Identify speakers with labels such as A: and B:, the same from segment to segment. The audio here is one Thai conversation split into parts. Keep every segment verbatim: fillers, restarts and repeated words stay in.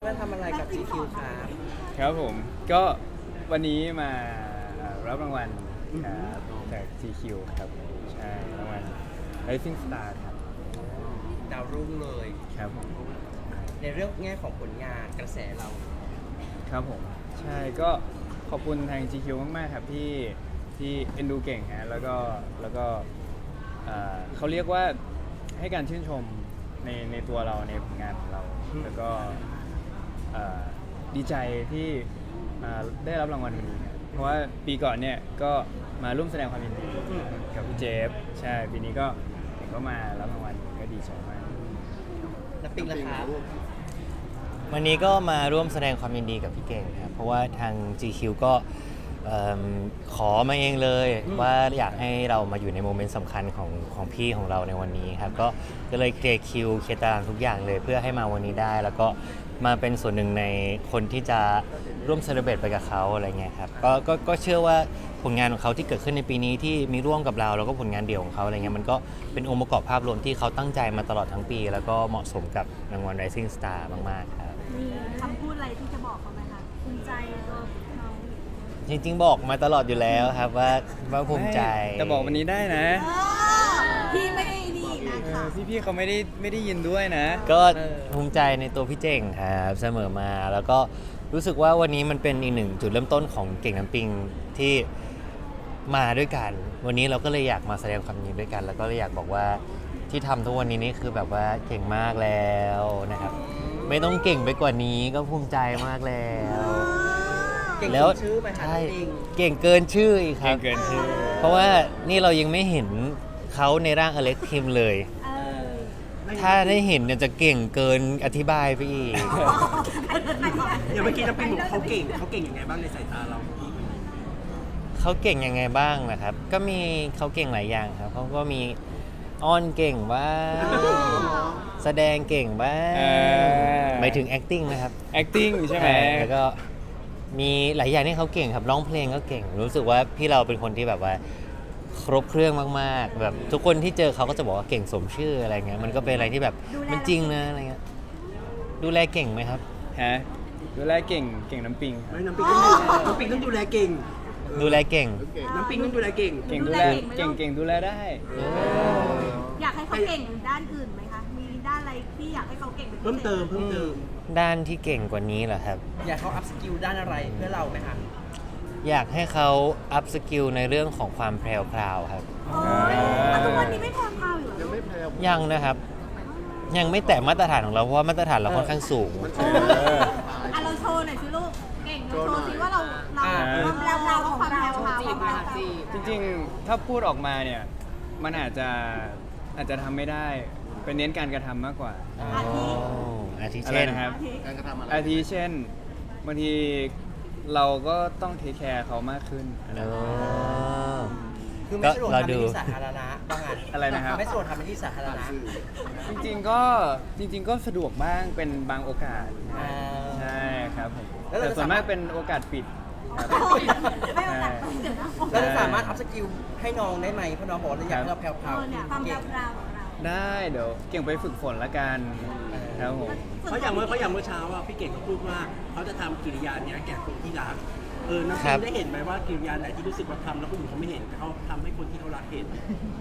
A: มาทำอะไรกับ จี คิว ครับ
B: ครับผมก็วันนี้มารับรางวัลครับจาก จี คิว ครับใช่รางวัล Rising Star ครับ
A: ดาวรุ่งเลย
B: ครับผม
A: ในเรื่องแง่ของผลงานกระแสเรา
B: ครับผมใช่ก็ขอบคุณทาง จี คิว มากๆครับที่ที่เอ็นดูเก่งฮะแล้วก็แล้วก็เอ่อเขาเรียกว่าให้การชื่นชมในในตัวเราในผลงานของเรา แล้วก็เอ่อดีใจที่มาได้รับรางวัลวันนี้ครับเพราะว่าปีก่อนเนี่ยก็มาร่วมแสดงความยินดีกับพี่เจฟใช่ปีนี้ก็เห็นก็มารับรางวัลก็ดีใจมาก
A: แล้วปิงล่ะครับ
C: วันนี้ก็มาร่วมแสดงความยินดีกับพี่เก่งครับเพราะว่าทาง จี คิว ก็เอิ่มขอมาเองเลยว่าอยากให้เรามาอยู่ในโมเมนต์สำคัญของของพี่ของเราในวันนี้ครับก็ก็เลยเคลียร์คิวเคลียร์ตารางทุกอย่างเลยเพื่อให้มาวันนี้ได้ แล้วก็มาเป็นส่วนหนึ่งในคนที่จะร่วมเซเลบรตไปกับเขาอะไรเงี้ยครับก็ก็ก็เชื่อว่าผลงานของเขาที่เกิดขึ้นในปีนี้ที่มีร่วมกับเราแล้วก็ผลงานเดี่ยวของเขาอะไรเงี้ยมันก็เป็นองค์ประกอบภาพรวมที่เขาตั้งใจมาตลอดทั้งปี แล้วก็เหมาะสมกับรางวัล Rising Star มากๆครับ
D: มีคำพูดอะไรที่จะบอกเขาไหมคะภูมิใจตัวเขา
C: จริงๆบอกมาตลอดอยู่แล้วครับว่าว่าภูมิใจ
B: แต่บอกวันนี้ได้นะ
D: เออพี่ไม่ได้ดีนะ
B: เอ
D: คะ
B: อพี่ๆเขาไม่ได้ไม่ได้ยินด้วยนะ
C: ก็
A: เออ
C: ภูมิใจในตัวพี่เจ๋งครับเสมอมา แล้วก็รู้สึกว่าวันนี้มันเป็นอีกหนึ่งจุดเริ่มต้นของเก่งน้ำปิงที่มาด้วยกัน วันนี้เราก็เลยอยากมาแสดงความยินดีด้วยกัน แล้วก็เลยอยากบอกว่าที่ทำทุกวันนี้นี่คือแบบว่าเก่งมากแล้วนะครับ ไม่ต้องเก่งไปกว่านี้ก็ภูมิใจมากแล้ว
A: เก่ง
C: แล้ว
A: สมชื่อไหมคะ
C: ใช่
A: ปิง
C: เก่งเกินชื่ออีกค
B: เก่
C: รั
B: ง
C: บ
B: เกินชื่อ
C: เพราะว่านี่เรายังไม่เห็นเขาในร่างอเล็กทีมเลย
D: เออ
C: ถ้าได้เห็นเนี่ยจะเก่งเกินอธิบายไปอีก
E: อย่างเมื่อกี้น้ำปิงบอกเขาเก่งเขาเก่งยังไงบ้างในสายตาเรา
C: เขาเก่งยังไงบ้างนะครับ ก็มีเขาเก่งหลายอย่างครับเขาก็มีอ้อนเก่งบ้าง แสดงเก่งบ้า
B: เอง อ
C: หมายถึง acting นะครับ
B: acting ใช่ไหม
C: แล้วก็มีหลายอย่างที่เขาเก่งครับร้องเพลงก็เก่ง รู้สึกว่าพี่เราเป็นคนที่แบบว่าครบเครื่องมากๆ แบบทุกคนที่เจอเขาก็จะบอกว่าเก่งสมชื่ออะไรเงี้ยมันก็เป็นอะไรที่แบบมันจริงนะอะไรเงี้ยดูแลเก่งไหมครับ
B: ฮะดูแลเก่งเก่งน้ำปิงครับ
E: ไม่น้ำปิงต้องดูน้ำปิงต้องดูแลเก่ง
C: ดูแลเก่ง
E: น้ำปิงต้องดูแลเก่ง
B: เก่งดูแลเก่งเก่งดูแลได้
D: อยากให้เขาเก่งด้านอื่นไหมคะ มีด้านอะไรที่อยากให้เขาเก่งเป็นพิศษ
E: เพิ่มเติมเพิ่มเติม
C: ด้านที่เก่งกว่านี้เหรอครับ
A: อยากเขาอัพสกิลด้านอะไรเพื่อเราไหมคะ
C: อยากให้เขาอัพสกิลในเรื่องของความแพรวพราวครับ
D: โอ้ยอ่ะทุกวันนี้ไม่พอพาวอยู่เหรอ
C: ยังนะครับ ยังไม่แตะมาตรฐานของเราเพราะว่ามาตรฐานเราค่อนข้างสูง
B: เออ
D: อ่ะเราโชว์หน่อยสิลูก เก่งเราโชว์สิว่าเราเรา
B: อ่า
D: ความแรงเราของความแรงเราของเรา
B: จริงๆ ถ้าพูดออกมาเนี่ย มันอาจจะอาจจะทำไม่ได้ เป็นเน้นการกระทำมากกว่า
D: อาทิ
C: อาทิ
B: อะไร
C: เช่น
B: นะครับ
D: อาทิ
B: อาทิเช่นบางทีเราก็ต้องเทคแคร์เขามากขึ้นอะไร
C: อ๋อ
A: คือไม่สะดวก
C: ก็เรา
A: ทำใน
C: ดู
A: ที่สาธารณะว่างั้น
B: อะไรนะครับ
A: ไม่สะดวกทำในที่สาธารณะ
B: จริงๆก็จริง ๆ ก็สะดวกบ้างเป็นบางโอกาส
A: อ่า
B: ใช่ครับผม
A: แล้วเรา
B: แต่
A: จะ
B: ส่วนมาก
A: สามารถ
B: เป็นโอกาสปิดครับ
D: ไม่เอาแต่เดี๋ยวนะ
A: เราจะสามารถอัพสกิลให้น้องได้ไหมเพราะน้องบอกว่าอยากให้เราแพรว
D: เออเนี่ยความ
A: ๆ
D: แร
A: เก่ง
D: งเราของเรา
B: ได้เดี๋ยวเก่งไปฝึกฝนละกันครับผม
E: เพราะอย่างเมื่อเพราะอย่างเมื่อเช้าอ่ะพี่เก่งเขาพูดว่าเขาจะทำกิริยาเนี้ยแก่คนที่รักเออน้ำ
C: ครั
E: ปิ
C: บ
E: งได้เห็นไหมว่ากิริยาไหนที่รู้สึกว่าทำแล้วคนอื่นเขาไม่เห็นแต่เขาทำให้คนที่เขารักเห็น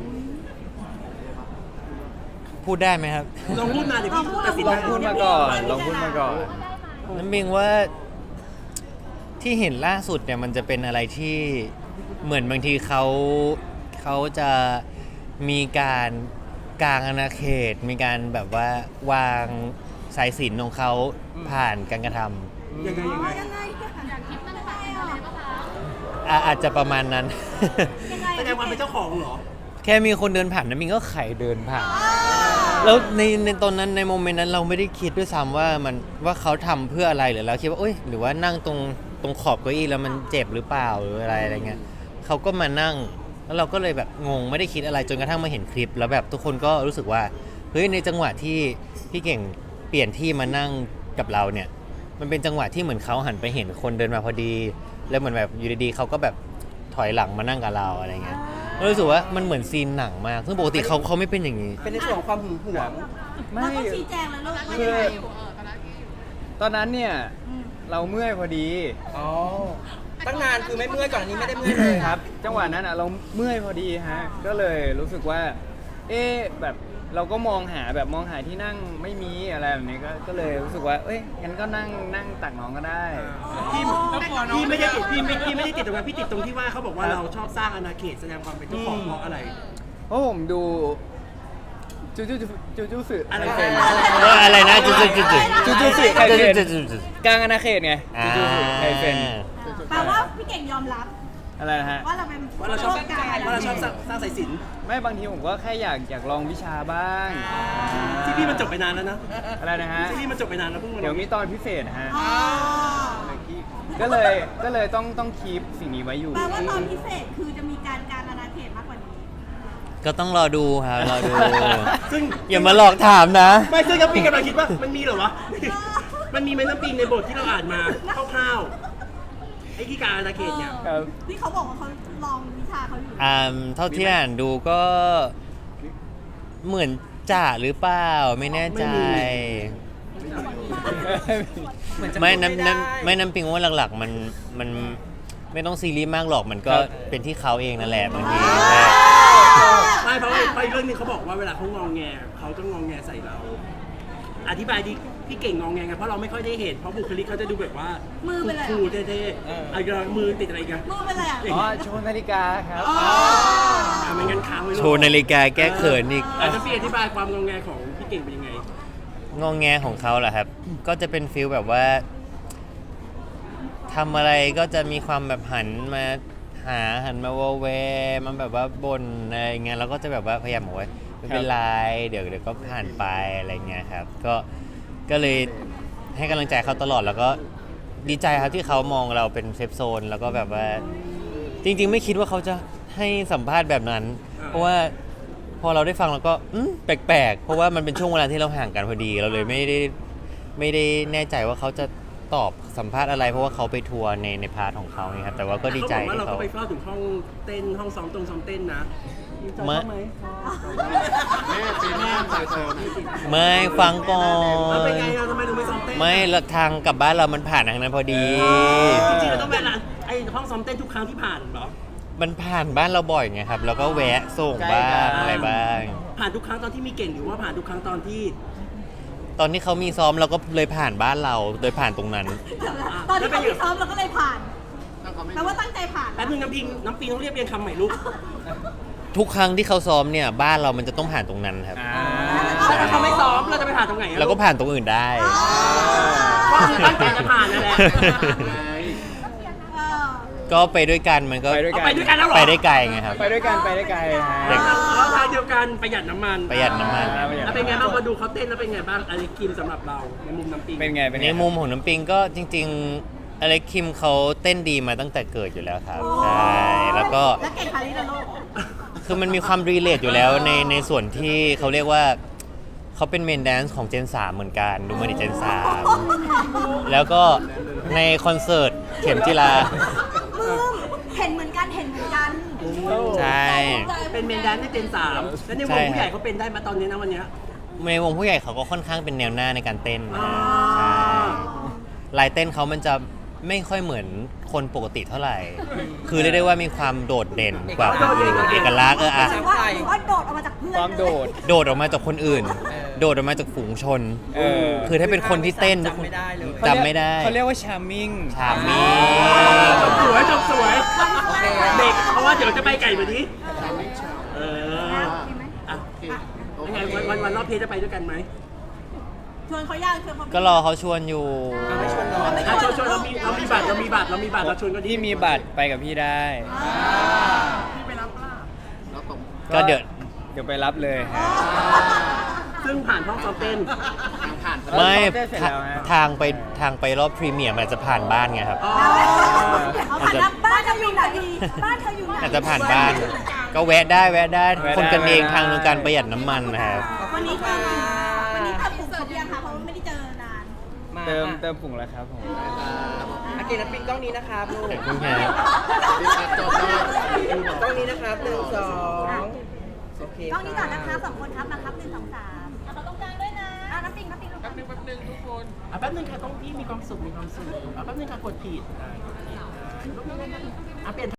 C: พูดได้ไหมครับ
E: ลองพูดมาเดี๋ยวพี่ตัดสิน
B: ลองพูดมาก่อนลองพูดมาก่อน
C: น้ำบิงว่าที่เห็นล่าสุดเนี่ยมันจะเป็นอะไรที่เหมือนบางทีเขาเขาจะมีการกางอาณาเขต มีการแบบว่าวางสายสิญจนของเขาผ่านการกระท
E: ยังไงยังไง
D: ยังไงอยากคิดมันไปอ่ะ
C: ำอ่ะอาจจะประมาณนั้น
D: ยังไง
E: แสดงความเป็นเจ้าของเหรอ
C: แค่มีคนเดินผ่านน้ำบิงก็ไขเดินผ่าน แล้วในในตอนนั้นในโมเมนต์นั้นเราไม่ได้คิดด้วยซ้ำว่ามันว่าเขาทำเพื่ออะไรหรือเราคิดว่าเอ้ยหรือว่านั่งตรงตรงขอบเก้าอี้แล้วมันเจ็บหรือเปล่าหรืออะไรอะไรเงี้ยเขาก็มานั่งแล้วเราก็เลยแบบงงไม่ได้คิดอะไรจนกระทั่งมาเห็นคลิป แล้วแบบทุกคนก็รู้สึกว่าเฮ้ยในจังหวะที่พี่เก่งเปลี่ยนที่มานั่งกับเราเนี่ยมันเป็นจังหวะที่เหมือนเขาหันไปเห็นคนเดินมาพอดี แล้วเหมือนแบบอยู่ดีๆเขาก็แบบถอยหลังมานั่งกับเราอะไรเงี้ยรู้สึกว่ามันเหมือนซีนหนังมากซึ่งปกติเขาเขาไม่เป็นอย่างนี้
A: เป็นในส่วนของความหึงหวง
B: ไม่
D: เราต้องชี้แจงเลยลูกว่า
B: คื
D: ยัง
B: อ
D: ไง
B: ตอนนั้นเนี่ย
D: อืม
B: เราเมื่อยพอดี
A: อ๋อตั้งนานคือไม่เมื่อยก่อนอันนี้ไม่ได้เมื่อยเลย
B: ครับ จังหวะนั้นอ่ะเราเมื่อยพอดีฮะก็เลยรู้สึกว่า เอ๊ะแบบเราก็มองหาแบบมองหาที่นั่งไม่มีอะไรแบบนี้ก็ก็เลยรู้สึกว่าเอ้ยงั้นก็นั่งนั่งตักน้องก็ได้
E: พี่พี่ไม่ได้ติดพี่ไม่พี่ไม่ได้ติดตรงนั้นพี่ติดตรงที่ว่าเขาบอกว่าเราชอบสร้างอาณาเขตแสดงความเป็นเจ้าของเพราะอะไร
B: เพราะผมดูจูจูจูจูสึ
E: อะไร
B: ไคเซ็น
C: เอออะไรนะจุดจุดจุดจุด
B: จูจูสึไคเซ็น
C: จุดจุดจุด
B: กลางอาณาเขตไง
C: อ่า
B: จูจูสึไคเซ็น
D: แปลว่าพี่เก่งยอมรับ
B: อะไรนะฮะ
D: ว่าเราเป็น
E: ว่าเราชอบ
D: ร่วมกัน
E: ว่าเราชอบสร้างสร้างสายสิญจน
B: ไม่บางทีผมก็แค่อยากอยากลองวิชาบ้าง
E: ที่พี่มันจบไปนานแล้วนะ
B: อะไรนะฮะ
E: ที่พี่มันจบไปนานแล้วเพิ่งมา
B: เดี๋ยวมีตอนพิเศษฮะ
D: อ๋อ
B: ก็เลยก็เลยต้องต้องคีปสิ่งนี้ไว้อยู่
D: แปลว่าตอนพิเศษคือจะมีการการอาณาเขตมากกว่านี้
C: ก็ต้องรอดูครับรอดู
E: ซึ่ง
C: อย่ามาหลอกถามนะ
E: ไม่ซึ่งน้ำปิงกำลังคิดว่ามันมีเหรอวะ มันมีไหมน้ำปิงในบทที่เราอ่านมาคร่าวๆไอ้ที่การอาณาเขตเนี่ย
B: ครับ
D: ที่เขาบอกว่าเขาลองวิชาเขาอยู่
C: อ่าเท่าที่อ่านดูก็เหมือนจ่าหรือเปล่าไม่แน่ใจ
A: เหมือนจะ
C: ไม่
A: พูด
C: น้ำ
A: ด้
C: น้ำไม่น้ำปิงว่าหลักๆ มันมันไม่ต้องซีรีส์มากหรอกมันก็
B: ครับ
C: เป็นที่เขาเองนั่นแหละบางที
E: ไม่เพราะว่าเพราะอีกเรื่องหนึงเขาบอกว่าเวลาเขางองแงเขาจะงองแงใส่เรา อธิบายดิพี่เก่งงองแงไงเพราะเราไม่ค่อยได้เห็นเพราะบุคลิกเขาจะดูแบบว่า
D: มือเป็นอะไร
E: คูลๆเท่ๆอะไรกันมือติดอะไรกัน
D: มือเป็นอะไรอ่ะ
B: อ๋อโชว์นาฬิกาครับ
E: อ่ะไม่งั้นค้างไว้ลูก
C: โชว์นาฬิกาแก้เขินอีก
E: อาจจะพี่อธิบายความงองแงของพี่เก่งเป็นยังไง
C: งองแงของเขาเหรอครับ ก็จะเป็นฟิลแบบว่าทำอะไรก็จะมีความแบบหันมาหาหันมาวอแวร์มันแบบว่าบ่นอะไรเงี้ยแล้วก็จะแบบว่าพยายามบอกว่าไม่เป็นไรเดี๋ยวเดี๋ยวก็ผ่านไปอะไรเงี้ยครับก็ก็เลยให้กำลังใจเขาตลอดแล้วก็ดีใจครับที่เขามองเราเป็นเซฟโซนแล้วก็แบบว่าจริงๆไม่คิดว่าเขาจะให้สัมภาษณ์แบบนั้น เพราะว่าพอเราได้ฟังเราก็อืมแปลกๆ เพราะว่ามันเป็นช่วงเวลาที่เราห่างกันพอดีเราเลยไม่ได้ไม่ได้แน่ใจว่าเขาจะตอบสัมภาษณ์อะไร เพราะว่าเขาไปทัวร์ในในพาร์ทของเขาไงครับแต่ว่าก็ดีใจ
E: เขาบอกว่า
C: ที่
E: เราก็
C: เขา
E: ไปเฝ้าถึงห้องเต้นห้องซ้อมตรงซ้อมเต้นนะมีใจ
C: มา
E: เข้าไหม
F: แม่ปีหน้าใส่เสริม
C: ไม่ฟังก่อ
E: แล้วเป็น
C: น
E: ไงอ่ะทำไมถึงไม่ซ้อมเต้น
C: ไม่ละทางกลับบ้านเรามันผ่านทางนั้นพอดี
E: จริงๆเราต้องแวะร้านไอ้ห้องซ้อมเต้นทุกครั้งที่ผ่านเหรอ
C: มันผ่านบ้านเราบ่อยไงครับ แล้วก็แวะส่งบ้างอะไรบ้าง
E: ผ่านทุกครั้งตอนที่มีเก่งหรือว่าผ่านทุกครั้งตอนที่
C: ตอนที่เขามีซ้อมเราก็เลยผ่านบ้านเราโดยผ่านตรงนั้น
D: ตอนที่เขาไปซ้อมเราก็เลยผ่านแปลว่าตั้งใจผ่าน
E: แป๊บนึงน้ำพิงน้ำปิงต้องเรียบเรียงคำใหม่ลูก
C: ทุกครั้งที่เขาซ้อมเนี่ยบ้านเรามันจะต้องผ่านตรงนั้นครับ
B: อ่า
E: แล้วถ้าเขาไม่ซ้อมเราจะไปผ่านตรงไหนอะ
C: แล้วก็ผ่านตรงอื่นได้
E: ก็คือตั้งใจจะผ่านนั่นแหละ
D: เออ
C: ก็ไปด้วยกันมันก็
B: ไปด้วย
E: เอา
B: กัน
E: ไปด้วยกันแล้วเหรอ
C: ไปได้ไกลไงครับ
B: ไปด้วยกันไปได้ไกลฮะ
C: เด็ก
E: แล้วทางเดียวกันประหยัดน้ำมัน
C: ประหยัดน้ำมัน
B: อ่าประหยัด
E: แล้วเป็นไงบ้างพอดูเขาเต้นแล้วเป็นไงบ้างอะไรคิมสำหรับเราในมุมน้ำปิง
B: เป็นไงเป็นไง
C: ในมุมของน้ำปิงก็จริงๆอเล็กคิมเขาเต้นดีมาตั้งแต่เกิดอยู่แล้วครับใช่แล้วก็
D: แล้วเก่งคาริโดโลก
C: คือมันมีความรีเลทอยู่แล้วในในส่วนที่เขาเรียกว่าเขาเป็นเมนแดนซ์ของเจนสามเหมือนกันดูมาดิเจนสามแล้วก็ในคอนเสิร์ตเข็มจิลา
D: มึงเห็นเหมือนกันเห็นเหมือนกัน
C: ใช่
E: เป็นเมนแดนซ์ในเจนสามแล้วในวงผู้ใหญ่เขาเป็นได้มาตอนนี้นะวันเนี้ย
C: ในวงผู้ใหญ่เขาก็ค่อนข้างเป็นแนวหน้าในการเต้นนะ
E: อ๋อ
C: ใช่ลายเต้นเขามันจะไม่ค่อยเหมือนคนปกติเท่าไหร่ คือเรียกได้ว่ามีความโดดเด่นกว่าคนอื่นเอกลักษณ์เอออะ
D: หรือว่าหรือว่าโดดออกมาจากเพื่อน
B: ความโดด
C: โดดออกมาจากคนอื่น โดดออกมาจากฝูงชน
B: เออ
C: คือถ้าเป็นคนที่เต้นทุก
A: จำ
C: คน
A: ไม่ได้เลย
C: จำไม่ได้
B: เขาเรียกว่าชาร์มมิ่ง
C: ชามี
E: จบสวยจบสวย
A: โอเค
E: เด็กเพราะว่าเดี๋ยวจะไปไก่แบบนี้เออ
D: มีไหม
E: อ่ะยังไงวันวันวันรอบเพลจะไปด้วยกันไหม
D: ชวนเขาย่างชวนเขา
C: ก็รอเขาชวนอยู่
A: เอาไม่ชวนน้อง
E: อ่ะชวนชวนเรามีเรามีบัตรเรามีบัตรเรามีบัตรเราชวนก็ดี
B: ที่มีบัตรไปกับพี่ได้
F: แล้วตก
C: ก็เดี๋ยว
B: เดี๋ยวไปรับเลยฮะ
E: ซึ่งผ่านห้องซ้อมเต้น
F: ทางผ่าน
C: ไม่
B: เต้นเสร็จแล้วฮะ
C: ทางไปทางไปรอบพรีเมียร์มันอาจจะผ่านบ้านไงครับ
E: อ๋อ
D: เอาผ่านรับบ้านเธออยู่ไหนบ้านเธออยู่ไหน
C: อาจจะผ่านบ้าน ก็แวะได้แวะได้
B: แวะได้
C: คนกันเอง
B: แวะได้
C: ทางในการประหยัดน้ำมันนะครับ
D: วันนี้ก็วันนี้ตัดผมครบยังคะเพราะว่าไม่ได้เจอนาน
A: มา
B: เติม
A: อ่ะ
B: เติมผงแล้วครับผม
A: อาเกน้ำปิงกล้องนี้นะครับลูก
C: ขอบคุณครับ
F: รีบตัดจบได้
A: กล้องนี้นะครับหนึ่งสองโอเค
D: กล้องนี้ก่อนนะคะสองคนครับมาครับหนึ่งสองสามเอาเขาตรงกลางด้วยนะอ่ะน้ำปิงน้ำปิงลงมา
E: นึงแป๊บนึงทุกคนอ่ะแป๊บนึงค่ะต้องพี่มีความสุขมีความสุขอ่ะแป๊บนึงค่ะกดผิดอ่ะกดผิดอ่ะอ่ะเปลี่ยน